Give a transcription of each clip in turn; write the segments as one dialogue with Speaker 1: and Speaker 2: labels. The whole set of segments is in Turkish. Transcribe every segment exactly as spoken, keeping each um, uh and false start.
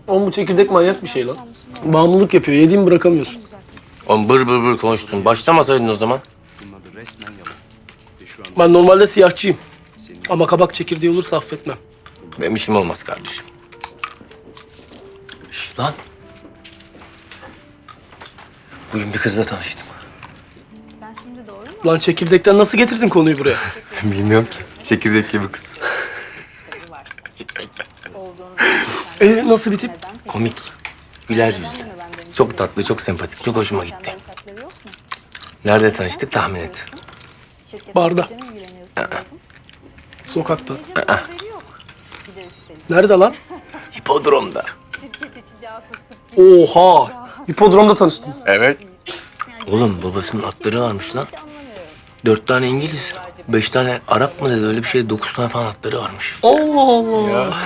Speaker 1: Oğlum bu çekirdek manyak bir şey lan. Bağımlılık yapıyor. Yediğimi bırakamıyorsun.
Speaker 2: Oğlum bır bır bır konuştun. Başlamasaydın o zaman.
Speaker 1: Ben normalde siyahçıyım. Ama kabak çekirdeği olursa affetmem.
Speaker 2: Benim işim olmaz kardeşim. Şş, lan. Bugün bir kızla tanıştım.
Speaker 1: Lan çekirdekten nasıl getirdin konuyu buraya?
Speaker 2: Bilmiyorum ki. Çekirdek gibi kız.
Speaker 1: Ee, nasıl bir tip?
Speaker 2: Komik. Güler yüzlü. Çok tatlı, çok sempatik. Çok hoşuma gitti. Nerede tanıştık tahmin et.
Speaker 1: Barda. Sokakta. Nerede lan?
Speaker 2: Hipodromda.
Speaker 1: Oha! Hipodromda tanıştınız.
Speaker 2: Evet. Oğlum babasının atları varmış lan. Dört tane İngiliz, beş tane Arap mı dedi öyle bir şey. Dokuz tane falan atları varmış.
Speaker 1: Allah Allah.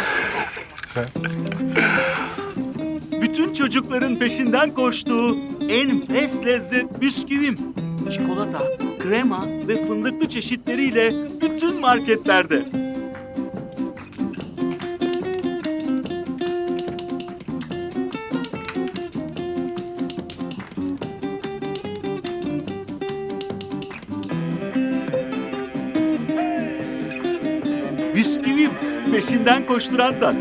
Speaker 3: Bütün çocukların peşinden koştuğu enfes lezzet bisküvim. Çikolata, krema ve fındıklı çeşitleriyle bütün marketlerde. Bisküvim, peşinden koşturan tat.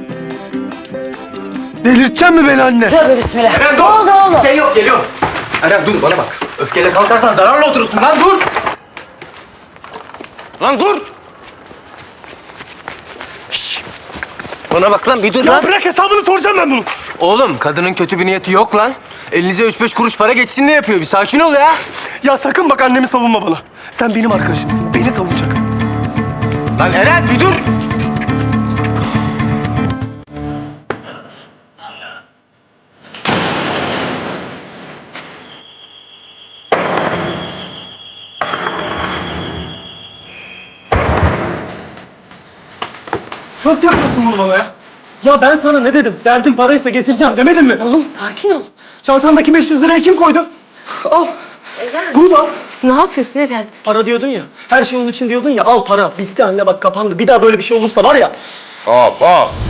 Speaker 1: Delirtecek mi beni anne?
Speaker 2: Eren dur! Bir şey yok, geliyorum. Eren dur, bana bak. Öfkeyle kalkarsan zararla oturursun lan, dur! Lan dur! Şşş! Bana bak lan, bir dur
Speaker 1: Ya
Speaker 2: lan.
Speaker 1: bırak hesabını soracağım ben bunu.
Speaker 2: Oğlum, kadının kötü bir niyeti yok lan. Elinize üç beş kuruş para geçsin diye yapıyor. Bir sakin ol ya.
Speaker 1: Ya sakın bak annemi savunma bana. Sen benim arkadaşımsın. Beni savunacaksın.
Speaker 2: Lan Eren, bir dur!
Speaker 1: Nasıl yapıyorsun bunu bana ya? Ya ben sana ne dedim? Derdin paraysa getireceğim demedim mi?
Speaker 4: Oğlum sakin ol.
Speaker 1: Çantandaki beş yüz lirayı kim koydu? Al. Bunu da al.
Speaker 4: Ne yapıyorsun Eren?
Speaker 1: Para diyordun ya. Her şey onun için diyordun ya. Al para. Bitti anne bak kapandı. Bir daha böyle bir şey olursa var ya.
Speaker 2: Hop hop!